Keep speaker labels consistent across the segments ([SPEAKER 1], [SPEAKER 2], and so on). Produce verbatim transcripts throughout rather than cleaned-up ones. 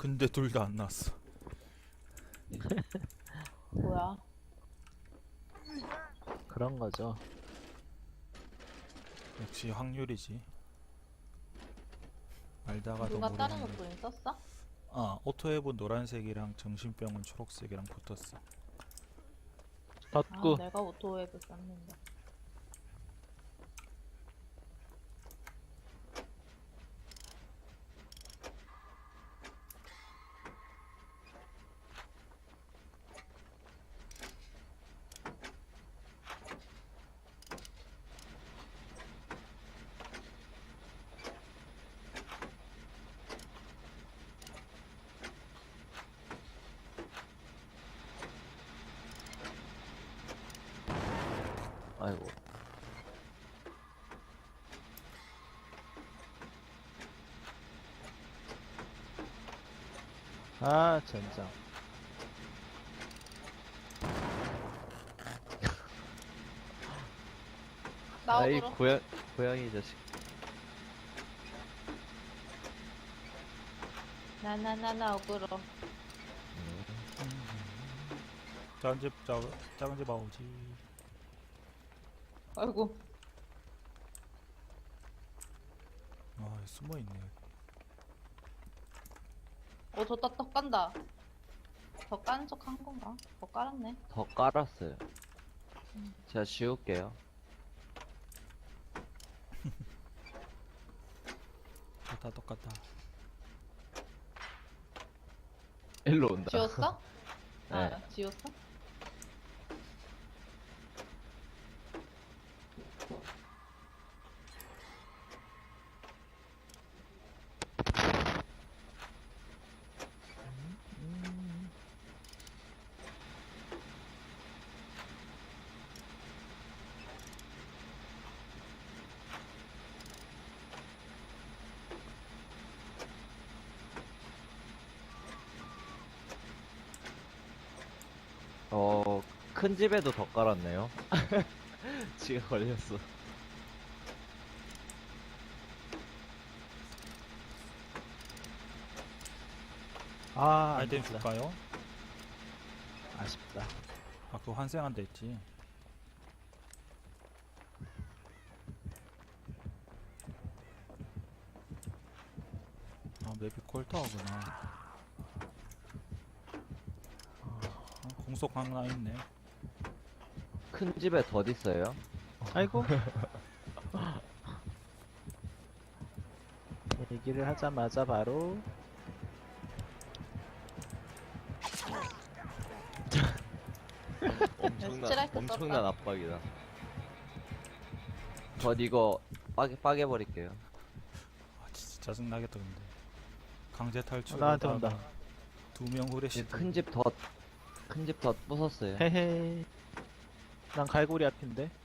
[SPEAKER 1] 근데 둘 다 안 나왔어.
[SPEAKER 2] 뭐야?
[SPEAKER 3] 그런 거죠.
[SPEAKER 1] 역시 확률이지. 알다가도
[SPEAKER 2] 누가
[SPEAKER 1] 모르는
[SPEAKER 2] 다른
[SPEAKER 1] 거.
[SPEAKER 2] 옷도 있었어?
[SPEAKER 1] 아, 오토앱은 노란색이랑 정신병은 초록색이랑 붙었어.
[SPEAKER 2] 아,
[SPEAKER 3] 덧구.
[SPEAKER 2] 내가 오토웹을 썼는데.
[SPEAKER 4] 아이고.
[SPEAKER 3] 아, 젠장.
[SPEAKER 4] 아이
[SPEAKER 2] 나오도록.
[SPEAKER 4] 고양 고양이 자식.
[SPEAKER 2] 나나나나 어그로.
[SPEAKER 1] 작은 집, 작, 작은 집 아오지.
[SPEAKER 2] 아이고.
[SPEAKER 1] 아, 숨어 있네.
[SPEAKER 2] 어, 저따 떡 간다. 더 까는 척 한 건가? 더 깔았네.
[SPEAKER 4] 더 깔았어요. 제가 지울게요.
[SPEAKER 1] 다 똑같다.
[SPEAKER 4] 일로 온다.
[SPEAKER 2] 지웠어?
[SPEAKER 4] 네.
[SPEAKER 2] 아, 지웠어?
[SPEAKER 4] 어, 큰 집에도 더 깔았네요. 지가 걸렸어.
[SPEAKER 3] 아, 안
[SPEAKER 1] 아이템
[SPEAKER 3] 됐다.
[SPEAKER 1] 줄까요?
[SPEAKER 3] 아쉽다.
[SPEAKER 1] 아, 그거 환생한다 했지. 아, 맵이 콜타워구나. 아, 공속 하나 있네.
[SPEAKER 4] 큰 집에 덧 있어요.
[SPEAKER 3] 아이고. 얘기를 하자마자 바로
[SPEAKER 4] 엄청난
[SPEAKER 2] 스트라이크
[SPEAKER 4] 엄청난
[SPEAKER 2] 썼다.
[SPEAKER 4] 압박이다. 덧 이거 빠개 빠개 버릴게요.
[SPEAKER 1] 아, 진짜 짜증나겠다, 근데. 강제 탈출.
[SPEAKER 3] 나한테 온다.
[SPEAKER 1] 두명 후레쉬.
[SPEAKER 4] 큰 집 덧 큰 집 덧 부쉈어요.
[SPEAKER 3] 헤헤. 난 갈고리 앞인데 쓸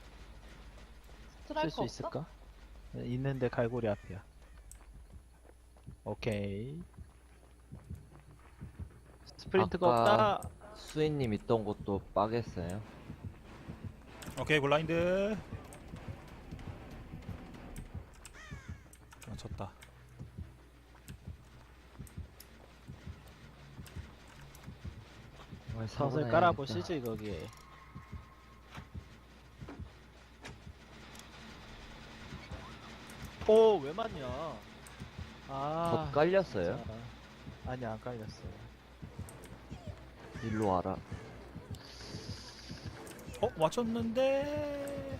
[SPEAKER 2] 스트라이크
[SPEAKER 3] 수
[SPEAKER 2] 없어?
[SPEAKER 3] 있을까? 네, 있는데 갈고리 앞이야. 오케이. 스프린트가
[SPEAKER 4] 아까
[SPEAKER 3] 없다.
[SPEAKER 4] 수인님 있던 곳도 빠겠어요.
[SPEAKER 1] 오케이, 블라인드. 아, 졌다.
[SPEAKER 4] 정말
[SPEAKER 3] 덫을
[SPEAKER 4] 사고나
[SPEAKER 3] 깔아보시지 거기에. 오, 왜 맞냐? 아,
[SPEAKER 4] 덧 깔렸어요?
[SPEAKER 3] 진짜. 아니, 안 깔렸어요.
[SPEAKER 4] 일로 와라.
[SPEAKER 1] 어, 맞췄는데.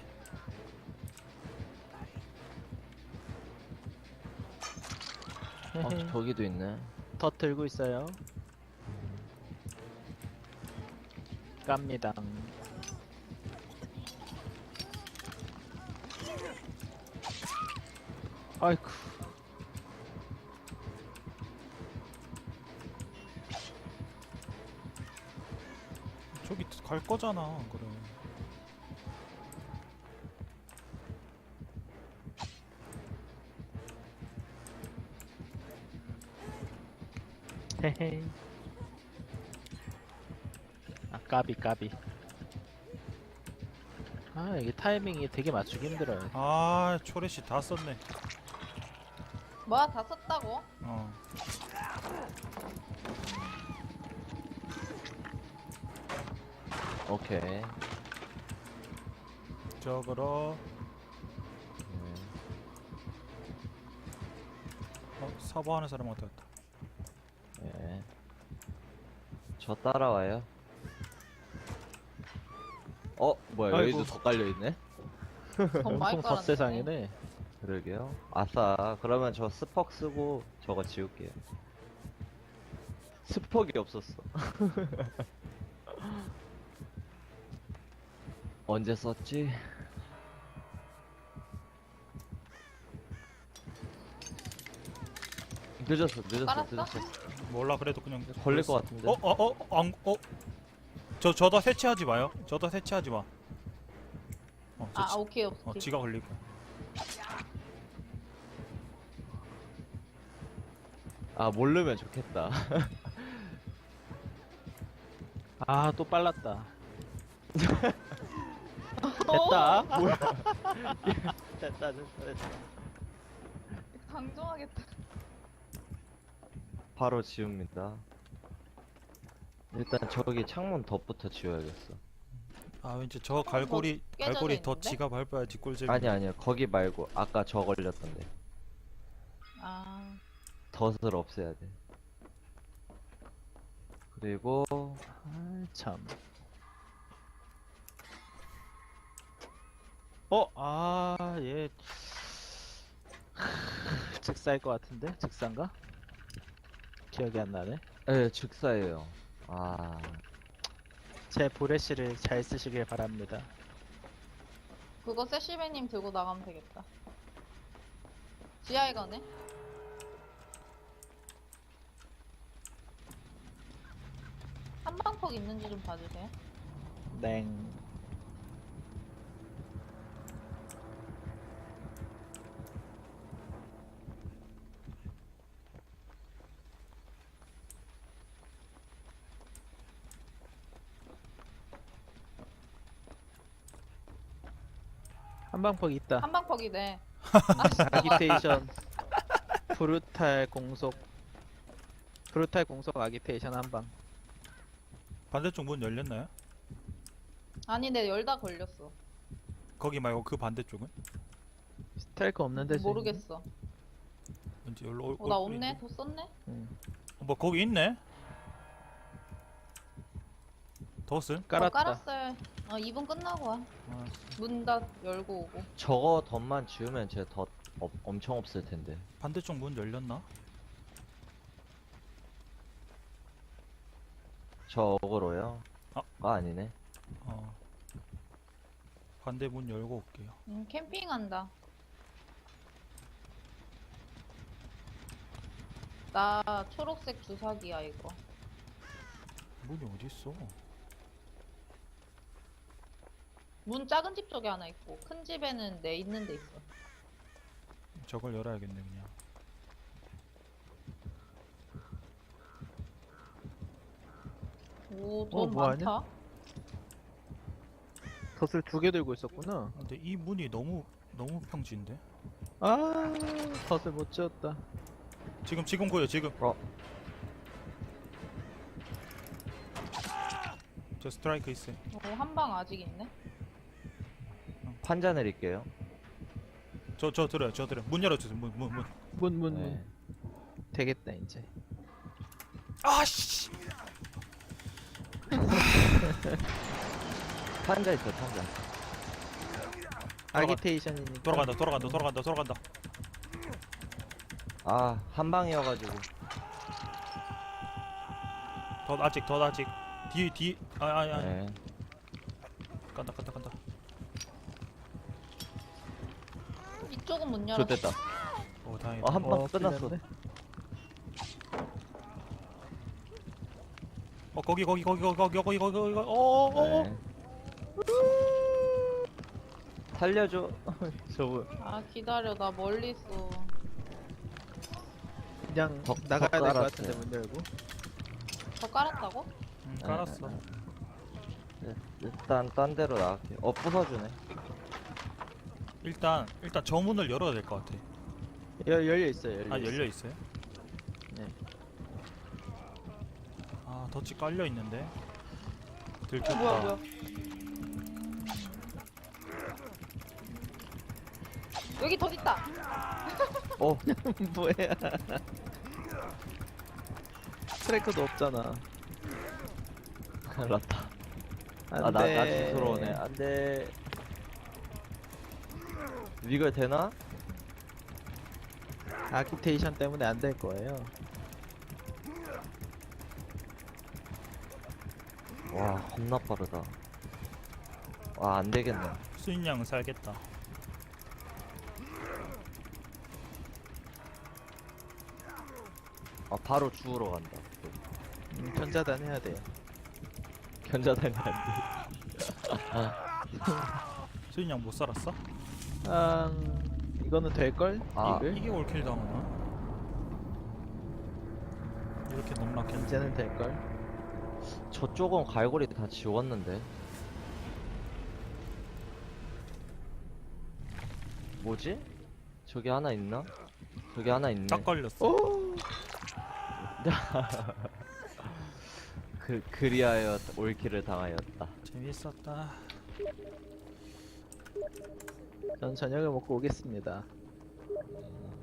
[SPEAKER 4] 어, 저기도 있네.
[SPEAKER 3] 덫 들고 있어요. 깝니다. 아이쿠.
[SPEAKER 1] 저기 갈 거잖아, 그래.
[SPEAKER 3] 헤헤. 아, 까비 까비. 아, 이게 타이밍이 되게 맞추기 힘들어요.
[SPEAKER 1] 아, 초래씨 다 썼네.
[SPEAKER 2] 뭐야, 다 썼다고?
[SPEAKER 1] 어.
[SPEAKER 4] 오케이.
[SPEAKER 1] 저거로
[SPEAKER 4] 네.
[SPEAKER 1] 어, 사보하는 사람한테 왔다.
[SPEAKER 4] 네. 저 따라와요. 어, 뭐야,
[SPEAKER 3] 아이고.
[SPEAKER 4] 여기도 더 깔려있네?
[SPEAKER 2] 돈 많이
[SPEAKER 3] 엄청
[SPEAKER 2] 깔았네.
[SPEAKER 3] 덧세상이네.
[SPEAKER 4] 그러게요. 아싸, 그러면 저 스퍽 쓰고 저거 지울게요. 스퍽이 없었어. 언제 썼지? 늦었어, 늦었어,
[SPEAKER 2] 깔았어?
[SPEAKER 4] 늦었어.
[SPEAKER 1] 몰라 그래도 그냥
[SPEAKER 4] 걸릴
[SPEAKER 1] 그랬어.
[SPEAKER 4] 것 같은데.
[SPEAKER 1] 어? 어? 어? 안, 어? 저 저다 해체하지 마요. 저다 해체하지 마. 어, 저
[SPEAKER 2] 아
[SPEAKER 1] 지,
[SPEAKER 2] 오케이 오케이.
[SPEAKER 1] 어, 지가 걸릴 거야.
[SPEAKER 4] 아, 모르면 좋겠다.
[SPEAKER 3] 아, 또 빨랐다.
[SPEAKER 2] 됐다.
[SPEAKER 3] 뭐야? 됐다, 됐다, 됐다.
[SPEAKER 2] 강종하겠다.
[SPEAKER 4] 바로 지웁니다. 일단 저기 창문 덧부터 지워야겠어.
[SPEAKER 1] 아 왠지 저 갈고리
[SPEAKER 2] 깨져져
[SPEAKER 1] 갈고리 더
[SPEAKER 2] 있는데?
[SPEAKER 1] 지가 밟아야지 꿀잼이.
[SPEAKER 4] 아니 아니요, 거기 말고 아까 저 걸렸던데.
[SPEAKER 2] 아
[SPEAKER 4] 덫을 없애야 돼. 그리고
[SPEAKER 3] 아, 참. 어, 아, 얘 즉사일 것 같은데? 즉사인가? 기억이 안 나네.
[SPEAKER 4] 예, 즉사예요. 아,
[SPEAKER 3] 제 보레시를 잘 쓰시길 바랍니다.
[SPEAKER 2] 그거 세시베님 들고 나가면 되겠다. 지하에 가네. 한방폭 있는지 좀 봐주세요.
[SPEAKER 3] 냉. 한방폭 있다.
[SPEAKER 2] 한방폭이네.
[SPEAKER 3] 아기테이션 브루탈 공속 브루탈 공속 아기테이션 한방.
[SPEAKER 1] 반대쪽 문 열렸나요?
[SPEAKER 2] 아니 내 열다 걸렸어.
[SPEAKER 1] 거기 말고 그 반대쪽은?
[SPEAKER 3] 스텔크 없는데 지금?
[SPEAKER 2] 모르겠어.
[SPEAKER 1] 왠지 열로 올,
[SPEAKER 2] 어 나
[SPEAKER 1] 올
[SPEAKER 2] 없네.
[SPEAKER 1] 뿐인데?
[SPEAKER 2] 더 썼네.
[SPEAKER 3] 응.
[SPEAKER 1] 어, 뭐 거기 있네? 덧은?
[SPEAKER 2] 더
[SPEAKER 3] 깔았다.
[SPEAKER 2] 깔았어요. 어 이 분 끝나고 와.
[SPEAKER 1] 아,
[SPEAKER 2] 문 다 열고 오고.
[SPEAKER 4] 저거 덫만 지우면 제 덫 업- 엄청 없을 텐데.
[SPEAKER 1] 반대쪽 문 열렸나?
[SPEAKER 4] 저 어그로요?
[SPEAKER 1] 아.
[SPEAKER 4] 아, 아니네.
[SPEAKER 1] 어. 반대 문 열고 올게요.
[SPEAKER 2] 음 캠핑한다. 나 초록색 주사기야 이거.
[SPEAKER 1] 문이 어디 있어?
[SPEAKER 2] 문 작은 집 쪽에 하나 있고 큰 집에는 내 있는 데 있어.
[SPEAKER 1] 저걸 열어야겠네 그냥.
[SPEAKER 2] 오,
[SPEAKER 3] 어,
[SPEAKER 2] 돈
[SPEAKER 3] 뭐 하냐?
[SPEAKER 2] 많다.
[SPEAKER 3] 덫을 두 개 들고 있었구나.
[SPEAKER 1] 근데 이 문이 너무 너무 평지인데?
[SPEAKER 3] 아, 덫을 못 지었다.
[SPEAKER 1] 지금 지금 보여 지금.
[SPEAKER 4] 어.
[SPEAKER 1] 저 스트라이크 있어요.
[SPEAKER 2] 오, 한 방 아직 있네.
[SPEAKER 4] 판자 내릴게요.
[SPEAKER 1] 저 저 들어요 저 들어요. 문 열어주세요 문 문 문.
[SPEAKER 3] 문, 문,
[SPEAKER 4] 네.
[SPEAKER 3] 문. 되겠다, 이제.
[SPEAKER 1] 아씨.
[SPEAKER 4] 판자 있어, 판자.
[SPEAKER 3] 아기테이션이니까.
[SPEAKER 1] 돌아간다 돌아간다 돌아간다 돌아간다.
[SPEAKER 4] 아, 한 방이어가지고.
[SPEAKER 1] 더 아직 더 아직. 뒤 뒤. 아 아니 아니.
[SPEAKER 4] 네.
[SPEAKER 1] 간다 간다 간다.
[SPEAKER 2] 이쪽은 문 열었어.
[SPEAKER 4] 좋됐다.
[SPEAKER 1] 오 다행이다.
[SPEAKER 4] 어, 한 방
[SPEAKER 3] 어,
[SPEAKER 4] 끝났어.
[SPEAKER 3] 풀렸네.
[SPEAKER 1] 어 거기 거기 거기 거기 거기 거기 거기 거기 어어어.
[SPEAKER 4] 네. 살려줘. 저분.
[SPEAKER 2] 아 기다려 나 멀리 있어.
[SPEAKER 3] 그냥
[SPEAKER 4] 더-
[SPEAKER 3] 나가야
[SPEAKER 4] 더
[SPEAKER 3] 될 것
[SPEAKER 4] 깔았어요.
[SPEAKER 3] 같은데, 문 열고.
[SPEAKER 2] 더 깔았다고?
[SPEAKER 1] 음, 깔았어.
[SPEAKER 4] 네, 일단 딴 데로 나갈게요. 어, 부숴주네.
[SPEAKER 1] 일단 일단 저 문을 열어야 될 것 같아.
[SPEAKER 3] 열, 열려 있어요, 열려
[SPEAKER 1] 아
[SPEAKER 3] 있어요.
[SPEAKER 1] 열려 있어요?
[SPEAKER 3] 네.
[SPEAKER 1] 아 덫이 깔려 있는데. 들켰다.
[SPEAKER 2] 어, 뭐야 뭐야. 여기 돈 있다.
[SPEAKER 4] 어,
[SPEAKER 3] 뭐야? 트래커도 없잖아.
[SPEAKER 4] 큰일 났다.
[SPEAKER 3] 안
[SPEAKER 4] 아, 나,
[SPEAKER 3] 돼.
[SPEAKER 4] 나 뒤돌아오네. 안 돼. 이걸 되나?
[SPEAKER 3] 아키테이션 때문에 안 될 거예요.
[SPEAKER 4] 와, 겁나 빠르다. 와, 안 되겠네.
[SPEAKER 1] 수인양 살겠다.
[SPEAKER 4] 아, 바로 주우러 간다.
[SPEAKER 3] 음, 견자단 해야 돼요.
[SPEAKER 4] 견자단이 안 돼.
[SPEAKER 1] 수인양 못 살았어?
[SPEAKER 3] 아, 이거는 될 걸?
[SPEAKER 4] 아,
[SPEAKER 3] 이글?
[SPEAKER 1] 이게 올킬 당하나? 이렇게 넘락했는데.
[SPEAKER 3] 이제는 될 걸.
[SPEAKER 4] 저쪽은 갈고리 다 지웠는데. 뭐지? 저기 하나 있나? 저기 하나 있네.
[SPEAKER 1] 딱 걸렸어.
[SPEAKER 3] 오!
[SPEAKER 4] 그, 그리하여 올킬을 당하였다.
[SPEAKER 1] 재밌었다.
[SPEAKER 3] 전 저녁을 먹고 오겠습니다.